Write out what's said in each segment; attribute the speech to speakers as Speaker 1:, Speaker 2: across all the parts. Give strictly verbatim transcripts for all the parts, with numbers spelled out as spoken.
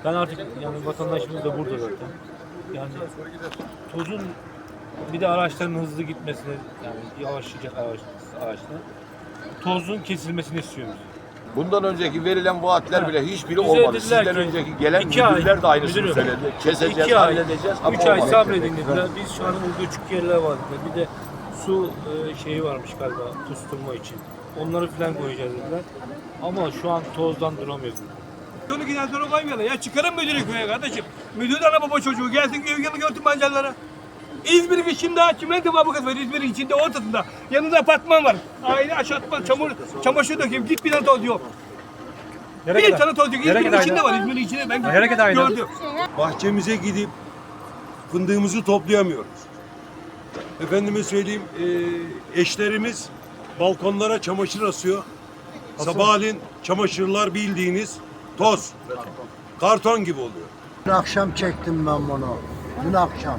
Speaker 1: Ben artık yani vatandaşımız da burada zaten. Yani tozun bir de araçların hızlı gitmesini yani yavaşlayacak araç, araçlar. Tozun kesilmesini istiyoruz.
Speaker 2: Bundan önceki verilen vaatler bile hiçbiri
Speaker 1: Bize
Speaker 2: olmadı.
Speaker 1: dediler
Speaker 2: Sizden
Speaker 1: ki,
Speaker 2: önceki gelen
Speaker 1: iki
Speaker 2: müdürler
Speaker 1: ay,
Speaker 2: de aynısını
Speaker 1: müdürüm,
Speaker 2: söyledi. Keseceğiz,
Speaker 1: iki ay,
Speaker 2: halledeceğiz.
Speaker 1: üç
Speaker 2: ama
Speaker 1: ay
Speaker 2: olmadı.
Speaker 1: sabredin dediler. Biz şu an burada küçük yerler var dediler. Bir de su e, şeyi varmış galiba kusturma için. Onları falan koyacağız dediler. Ama şu an tozdan duramıyoruz.
Speaker 3: Onu giden sonra koymuyorlar. Ya çıkarın müdürü köye kardeşim. Müdür de ana baba çocuğu gelsin köye gelin götürün mancarlara. İzmir'in içinde çimento fabrikası var. İzmir'in içinde ortasında. Yanında apartman var. Aile aşağıtma, çamur, çamaşır dökeyim. Git bir tane toz yok.
Speaker 4: Nereye
Speaker 3: bir
Speaker 4: kadar?
Speaker 3: tane toz yok.
Speaker 4: Nereye
Speaker 3: İzmir'in
Speaker 4: kadar
Speaker 3: içinde
Speaker 4: aynı?
Speaker 3: var. İzmir'in içinde ben
Speaker 4: Nereye kadar aynı?
Speaker 3: gördüm.
Speaker 5: Bahçemize gidip fındığımızı toplayamıyoruz. Efendime söyleyeyim, e, eşlerimiz balkonlara çamaşır asıyor. Sabahleyin çamaşırlar bildiğiniz toz, karton gibi oluyor.
Speaker 6: Dün akşam çektim ben bunu. Dün akşam.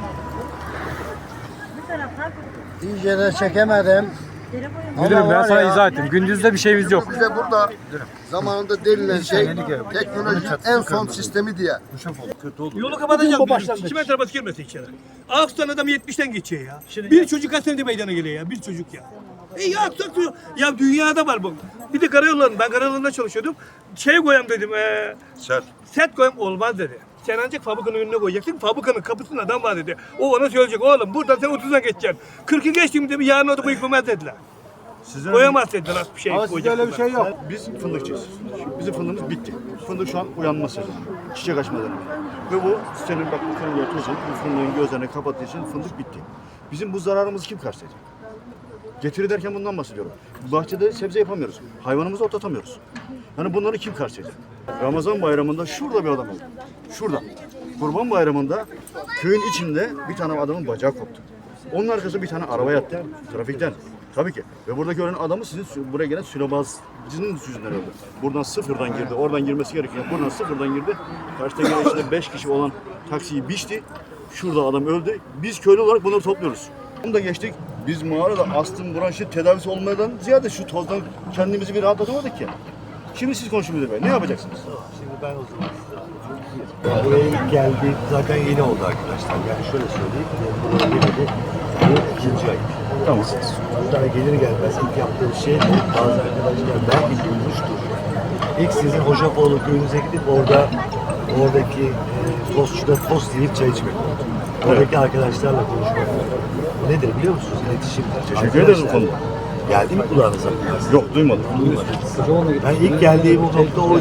Speaker 6: İyice de çekemedim.
Speaker 4: Müdürüm
Speaker 6: Ama
Speaker 4: ben
Speaker 6: var
Speaker 4: sana
Speaker 6: ya,
Speaker 4: izah ettim. Gündüzde bir şeyimiz yok.
Speaker 7: Bize burada zamanında denilen şey teknolojinin en son sistemi diye.
Speaker 5: Kötü olur.
Speaker 3: Yolu kapatacağız. Çimento arabası girmesin içeri. Ağustos adam yetmişten geçiyor ya. Bir çocuk kaç senede meydana geliyor ya. Bir çocuk ya. E ya aksak ya dünyada var bu. Bir de karayollarında, ben karayollarında çalışıyordum. Şey koyam dedim, e,
Speaker 5: Sert.
Speaker 3: set koyam olmaz dedi. Sen ancak fabrikanın önüne koyacaksın. Fabrikanın kapısında adam var dedi. O ona söyleyecek oğlum buradan sen otuzdan geçeceksin. kırkı geçtim dedi yarın orada koyulmaz dediler.
Speaker 5: Sizin
Speaker 3: Koyamaz dediler bir şey.
Speaker 8: Ama sizde öyle bir şey yok.
Speaker 9: Biz fındıkçıyız. Bizim fındığımız bitti. Fındık şu an uyanma sezonu. Çiçek açma dönemi. Ve bu senin bak bu fındığı tozun, bu fındığın gözlerini kapattığı için fındık bitti. Bizim bu zararımızı kim karşılayacak? Getiri derken bundan bahsediyorum. Bahçede sebze yapamıyoruz. Hayvanımızı otlatamıyoruz. Yani bunları kim karşılayacak? Ramazan bayramında şurada bir adam oldu. Şurada. Kurban bayramında köyün içinde bir tane adamın bacağı koptu. Onun arkasında bir tane araba yattı. Trafikten. Tabii ki. Ve buradaki ölen adamı sizin buraya gelen sülabazcının yüzünden öldü. Buradan sıfırdan girdi. Oradan girmesi gerekiyor. Buradan sıfırdan girdi. Karşıda gelen içinde beş kişi olan taksiyi biçti. Şurada adam öldü. Biz köylü olarak bunları topluyoruz. Bunu da geçtik. Biz mağarada astım, bronşit tedavisi olmadan ziyade şu tozdan kendimizi bir rahatlatamadık ki. Şimdi siz konuşun müdür bey. Ne yapacaksınız?
Speaker 8: Şimdi ben o zaman size buraya ilk geldik. Zaten yeni oldu arkadaşlar. Yani şöyle söyleyeyim. Buraya geleli bu ikinci ay.
Speaker 9: Tamam.
Speaker 8: Hatta gelir gelmez ilk yaptığım şey bazı arkadaşlar belki duymuştur. İlk sizin Hocaoğlu köyünüze gidip orada oradaki e, tostçuda tost yiyip çay içmek oldu. Oradaki arkadaşlarla konuşmak oldu. Bu nedir biliyor musunuz? İletişimdir.
Speaker 9: Teşekkür ederiz bu konuda.
Speaker 8: Geldi mi kulağınıza?
Speaker 9: Yok duymadım.
Speaker 8: Ben ilk geldiğim nokta oydu.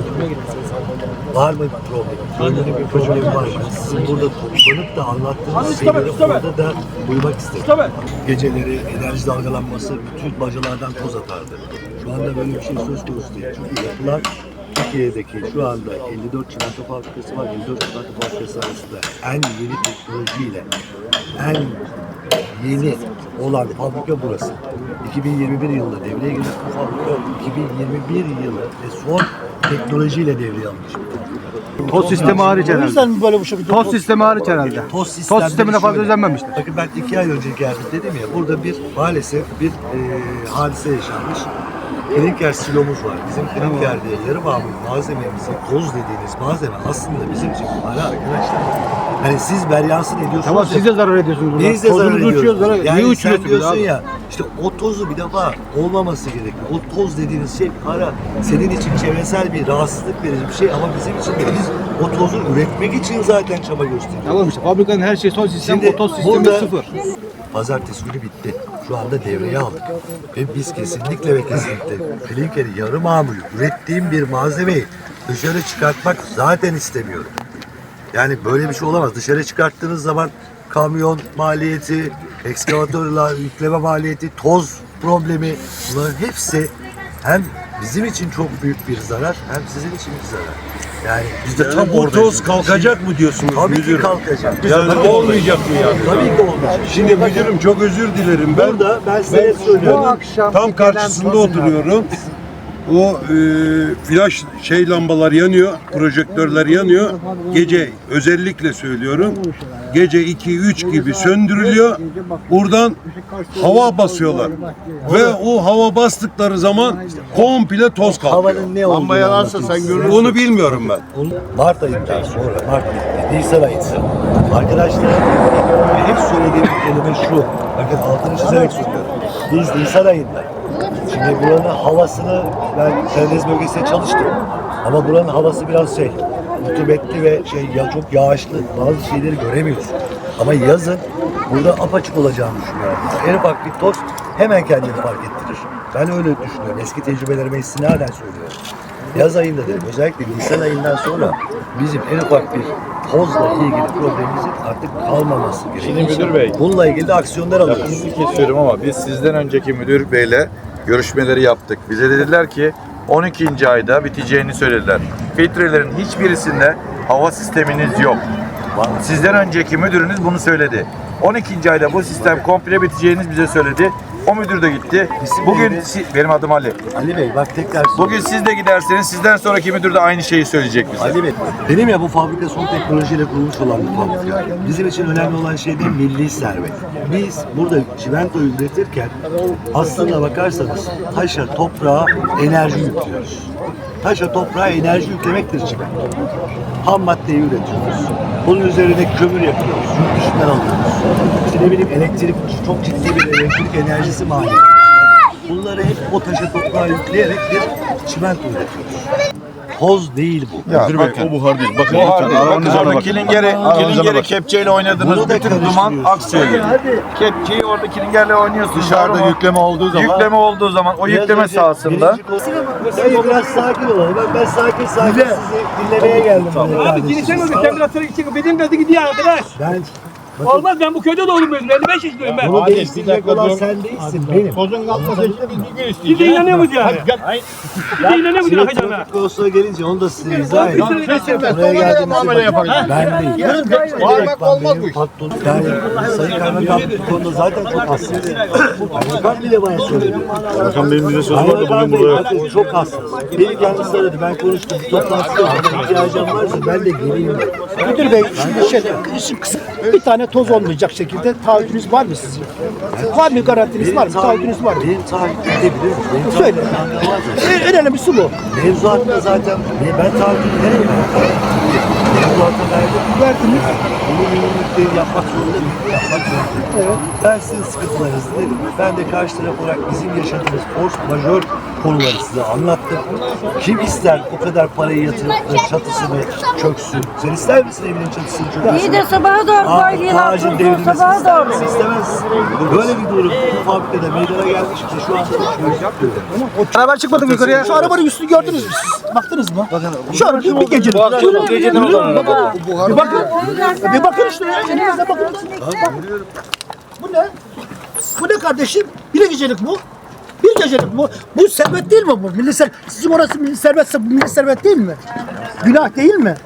Speaker 8: Var mı bir problem? Köylünün bir problemi var mı? Sizin burada toplanıp da anlattığınız şeyleri orada da duymak istedim. Geceleri enerji dalgalanması bütün bacalardan toz atardı. Şu anda böyle bir şey söz konusu değil. Çünkü yapılan Türkiye'deki şu anda elli dört çimento fabrikası var. elli dört çimento fabrikası arasında en yeni teknolojiyle en yeni olan fabrika burası. iki bin yirmi bir yılında devreye giren bu fabrika iki bin yirmi bir yılı ve son teknolojiyle devreye almış.
Speaker 4: Toz sistemi hariç
Speaker 6: O
Speaker 4: herhalde.
Speaker 6: yüzden mi böyle bu şekilde?
Speaker 4: Toz sistemi hariç herhalde.
Speaker 8: Toz, sistemleri
Speaker 4: Toz sistemine fazla
Speaker 8: şöyle.
Speaker 4: özenmemişler.
Speaker 8: Bakın ben iki ay önce geldim dedim ya, burada bir maalesef bir e, hadise yaşanmış. Klinker silomuz var. Bizim klinkerde yarı mamul malzememizi, toz dediğiniz malzeme aslında bizim için para arkadaşlar. Hani siz beryansın ediyorsunuz.
Speaker 4: Tamam
Speaker 8: ya,
Speaker 4: siz de zarar ediyorsunuz burada.
Speaker 8: biz de zarar
Speaker 4: Tozunuzu
Speaker 8: ediyoruz.
Speaker 4: uçuyoruz, zarar.
Speaker 8: Yani
Speaker 4: Niye
Speaker 8: sen
Speaker 4: uçuruyorsunuz
Speaker 8: diyorsun
Speaker 4: abi?
Speaker 8: ya, işte o tozu bir defa olmaması gerekiyor. O toz dediğiniz şey para. Senin için çevresel bir rahatsızlık verici bir şey ama bizim için de biz o tozu üretmek için zaten çaba gösteriyoruz.
Speaker 4: Tamam işte fabrikanın her şeyi son sistem,
Speaker 8: Şimdi
Speaker 4: o toz sistemi
Speaker 8: burada-
Speaker 4: sıfır.
Speaker 8: Pazartesi günü bitti. Şu anda devreye aldık. Ve biz kesinlikle ve kesinlikle klinkeri yarı mamul ürettiğim bir malzemeyi dışarı çıkartmak zaten istemiyorum. Yani böyle bir şey olamaz. Dışarı çıkarttığınız zaman kamyon maliyeti, ekskavatörler yükleme maliyeti, toz problemi, bunların hepsi hem bizim için çok büyük bir zarar hem sizin için bir zarar. Yani biz de
Speaker 5: Yani
Speaker 8: tam
Speaker 5: bu
Speaker 8: oradayız.
Speaker 5: toz kalkacak mı diyorsunuz
Speaker 8: Tabii ki
Speaker 5: müdürüm?
Speaker 8: kalkacak.
Speaker 5: Yani
Speaker 8: Tabii
Speaker 5: olmayacak mı yani?
Speaker 8: Tabii ki olmayacak.
Speaker 5: Şimdi müdürüm çok özür dilerim. Ben
Speaker 8: Burada ben size söylüyorum.
Speaker 5: tam karşısında oturuyorum. O e, flash şey lambalar yanıyor, projektörler yanıyor. Gece özellikle söylüyorum. Gece iki üç gibi söndürülüyor. Buradan hava basıyorlar. Ve o hava bastıkları zaman komple toz kalkıyor.
Speaker 8: Havanın ne olduğunu
Speaker 2: Lamba yanarsa
Speaker 8: anlatayım
Speaker 2: sen
Speaker 8: size.
Speaker 2: görürsün.
Speaker 5: Onu bilmiyorum ben.
Speaker 8: Mart ayından sonra, Mart bitti, Nisan ayında. Arkadaşlar, ve hep söylediğim kelime şu. Bakın altını çizerek söylüyorum. Biz Nisan ayında. Şimdi buranın havasını, ben Karadeniz bölgesinde çalıştım. Ama buranın havası biraz şey, rutubetli ve şey ya çok yağışlı. Bazı şeyleri göremiyoruz. Ama yazın burada apaçık olacağını düşünüyorum. En ufak bir toz hemen kendini fark ettirir. Ben öyle düşünüyorum. Eski tecrübelerime istinaden söylüyorum. Yaz ayında dedim, özellikle Nisan ayından sonra bizim en ufak bir tozla ilgili problemimizin artık kalmaması gerekiyor.
Speaker 10: Şimdi müdür bey,
Speaker 8: Bununla ilgili de aksiyonlar alıyoruz.
Speaker 10: lafınızı kesiyorum ama biz sizden önceki müdür beyle görüşmeleri yaptık. Bize dediler ki on ikinci ayda biteceğini söylediler. Filtrelerin hiçbirisinde hava sisteminiz yok. Sizden önceki müdürünüz bunu söyledi. on ikinci ayda bu sistem komple biteceğiniz bize söyledi. O müdür de gitti. Bugün si- benim adım Ali.
Speaker 8: Ali Bey bak tekrar
Speaker 10: Bugün siz de giderseniz sizden sonraki müdür de aynı şeyi söyleyecek bize.
Speaker 8: Ali Bey, benim ya bu fabrika son teknolojiyle kurulmuş olan bir fabrika. Bizim için önemli olan şey de milli servet. Biz burada çimentoyu üretirken aslına bakarsanız taşa, toprağa enerji yüklüyoruz. Taşa, toprağa enerji yüklemektir çimento. Ham maddeyi üretiyoruz. Bunun üzerine kömür yapıyoruz. Yurt dışından alıyoruz. İşte ne bileyim elektrik, çok ciddi bir elektrik enerjisi maliyeti. Bunları hep o taşa, toprağa yükleyerek bir çimento üretiyoruz. Toz değil bu.
Speaker 10: Ya,
Speaker 5: Müdür Bey,
Speaker 10: bakın.
Speaker 5: o buhar değil. Bakın
Speaker 10: Buhar
Speaker 5: lütfen
Speaker 10: değil. Bakın
Speaker 5: aranıza
Speaker 10: orada
Speaker 5: bakın.
Speaker 10: kilingeri,
Speaker 5: Aranıza
Speaker 10: kilingeri
Speaker 5: bakın.
Speaker 10: kepçeyle oynadığınız
Speaker 8: Bunu da
Speaker 10: bütün duman
Speaker 8: karıştırıyorsun.
Speaker 10: aksıyor geliyor. Kepçeyi orada kilingerle oynuyorsun.
Speaker 2: Dışarıda
Speaker 10: Ama
Speaker 2: yükleme olduğu zaman
Speaker 10: yükleme olduğu zaman o
Speaker 8: Biraz
Speaker 10: yükleme
Speaker 8: önce
Speaker 10: sahasında
Speaker 8: birinci- Hayır, biraz sakin olalım. Ben, ben sakin sakin sizi dinlemeye geldim. buraya
Speaker 3: Abi
Speaker 8: kardeşim.
Speaker 3: dinlesene mi? Sen biraz sonra gidecek. Benim dedi gidiyor arkadaş.
Speaker 8: Ben
Speaker 3: Olmaz, ben bu köyde doğdum ben. elli beş yaşındayım ben.
Speaker 8: bunu değiştirecek olan sen değilsin, benim.
Speaker 2: tozun kalkması için bir gün
Speaker 3: Siz de inanıyor musunuz yani? Siz de inanıyor musunuz
Speaker 8: Şimdi
Speaker 3: Hacı
Speaker 8: trafik konusuna gelince onu da size izah edeyim.
Speaker 3: Lan kesilmez,
Speaker 8: Buraya geldiğimizde
Speaker 2: muamele
Speaker 8: bakın,
Speaker 2: yapacağız.
Speaker 8: ben değil.
Speaker 2: Bağırmak olmaz
Speaker 8: benim
Speaker 2: bu iş.
Speaker 8: patron. Yani Sayın Kaymakam bu konuda zaten çok hassas. Kaymakam bile bana söyledi.
Speaker 5: Bakan Bey'in bize sözü vardı
Speaker 8: Kaymakam
Speaker 5: bugün
Speaker 8: Bey
Speaker 5: burada.
Speaker 8: bakın çok hassas. Beni kendisi aradı. Ben konuştum. Toplantıda bana ihtiyacım varsa ben de geleyim.
Speaker 6: Müdür Bey şimdi şey, işin kısa bir tane toz olmayacak şekilde taahhütünüz var mı sizin? Var mı, garantiniz var mı? Taahhütünüz var mı?
Speaker 8: Benim taahhüt edebilir. Benim
Speaker 6: Söyle.
Speaker 8: taahhütüm var.
Speaker 6: En önemlisi bu.
Speaker 8: Mevzuatta zaten ben taahhütümü nereye verdim? Mevzuatta verdim.
Speaker 6: Verdiniz.
Speaker 8: Bunu minimumlukları yapmak zorunda mıyım? Yapmak zorundayım. Evet. Ben sizin sıkıntılarınızı dedim. Ben de karşı taraf olarak bizim yaşadığımız force majör konuları size anlattım. Kim ister o kadar parayı yatırıp da çatısını çöksün? Sen ister misin evinin çatısını çöksün?
Speaker 11: İyi de sabaha doğru
Speaker 8: Aa,
Speaker 11: koyuyorlar.
Speaker 8: ağacın devrilmesini
Speaker 11: Sabaha
Speaker 8: ister
Speaker 11: doğru.
Speaker 8: misin? İstemez. Böyle bir durum bu fabrikada meydana gelmiş ki şu anda uçuyoruz.
Speaker 6: Beraber çıkmadık yukarıya. Şu arabanın üstünü gördünüz mü siz? Baktınız mı? Şu araba bir gecelik.
Speaker 10: bu geceden olan araba.
Speaker 6: Bir bakın. Bir bakın işte ya. Elinizde bakın. Bu ne? Bu ne kardeşim? Bir gecelik bu. Bir gecelik bu. Bu servet değil mi bu? Milli ser Sizin orası milli servetse bu milli servet değil mi? Günah değil mi?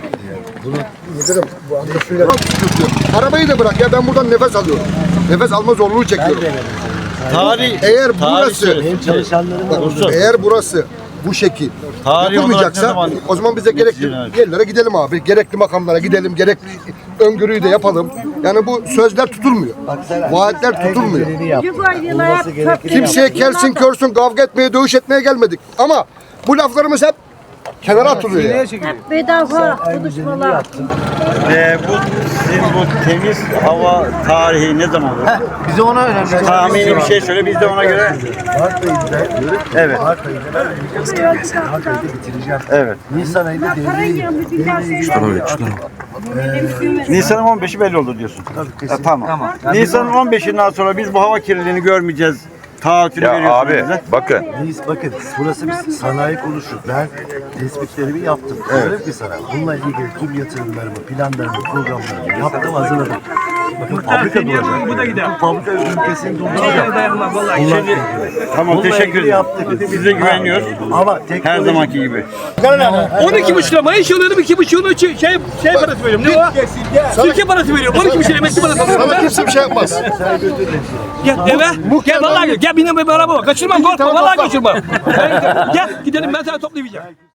Speaker 7: arabayı da bırak ya, ben buradan nefes alıyorum. Nefes alma zorluğu çekiyorum.
Speaker 10: Tarih,
Speaker 7: Eğer burası,
Speaker 8: Benim çalışanlarım da burada.
Speaker 7: eğer burası bu şekil
Speaker 10: Tarih olarak ne
Speaker 7: yapılmayacaksa
Speaker 10: zaman
Speaker 7: o zaman bize gerekli
Speaker 10: biteceğini-
Speaker 7: yerlere gidelim abi. Gerekli makamlara gidelim, gerekli öngörüyü de yapalım. Yani bu sözler tutulmuyor.
Speaker 8: Bak sen-
Speaker 7: Vaatler
Speaker 8: en
Speaker 7: tutulmuyor.
Speaker 8: güzelini yap.
Speaker 11: Yukarıya
Speaker 8: Olması
Speaker 11: yap,
Speaker 8: gerekeni
Speaker 11: çöp-
Speaker 8: yap.
Speaker 7: Kimseye kelsin körsün kavga etmeye, dövüş etmeye gelmedik. Ama bu laflarımız hep kenara atılıyor ya.
Speaker 11: Hep bedava
Speaker 8: En güzelini
Speaker 11: konuşmalar.
Speaker 8: yaptın.
Speaker 10: Ee, bu sizin bu temiz hava tarihi ne zaman olur?
Speaker 6: Bize ona önemli.
Speaker 10: Tahmini bir şey söyle biz de ona göre.
Speaker 8: Mart ayında,
Speaker 10: Evet.
Speaker 8: Mart ayında ben Mart ayında bitireceğim.
Speaker 10: Evet.
Speaker 8: Nisan ayında devreye
Speaker 10: Nisan'ın on beşi belli olur diyorsun.
Speaker 8: Tabii,
Speaker 10: Ha,
Speaker 8: kesin.
Speaker 10: tamam. Nisan'ın on beşinden sonra biz bu hava kirliliğini görmeyeceğiz. Taahhütünü veriyorsunuz bize.
Speaker 2: bakın
Speaker 8: Biz bakın burası bir sanayi konuşur. Ben tespitlerimi yaptım. Diyorum ki sana bununla ilgili tüm yatırımlarımı, planlarımı, programlarımı yaptım, hazırladım.
Speaker 9: Bakın fabrika duracak.
Speaker 3: Bu da gider.
Speaker 9: Fabrika ülkesinin
Speaker 3: Vallahi
Speaker 9: duracak.
Speaker 3: dayanmaz vallahi.
Speaker 9: Bunlar-
Speaker 3: Şimdi
Speaker 9: Tamam teşekkür ederim. Size güveniyoruz. Ama her zamanki gibi.
Speaker 3: on iki buçuk lira maaş alıyorum, iki buçuğunu şey, şey, şey parası veriyorum. Ne o? Sirke parası veriyorum. on iki buçuk lira emekli parası alıyorum.
Speaker 7: Sana kimse bir şey yapmaz.
Speaker 3: Gel eve. Gel vallahi gel. Gel benim bir araba var. Kaçırmam korkma.
Speaker 7: tamam,
Speaker 3: Vallahi
Speaker 7: topla.
Speaker 3: kaçırmam. Gel gidelim ben sana toplayacağım.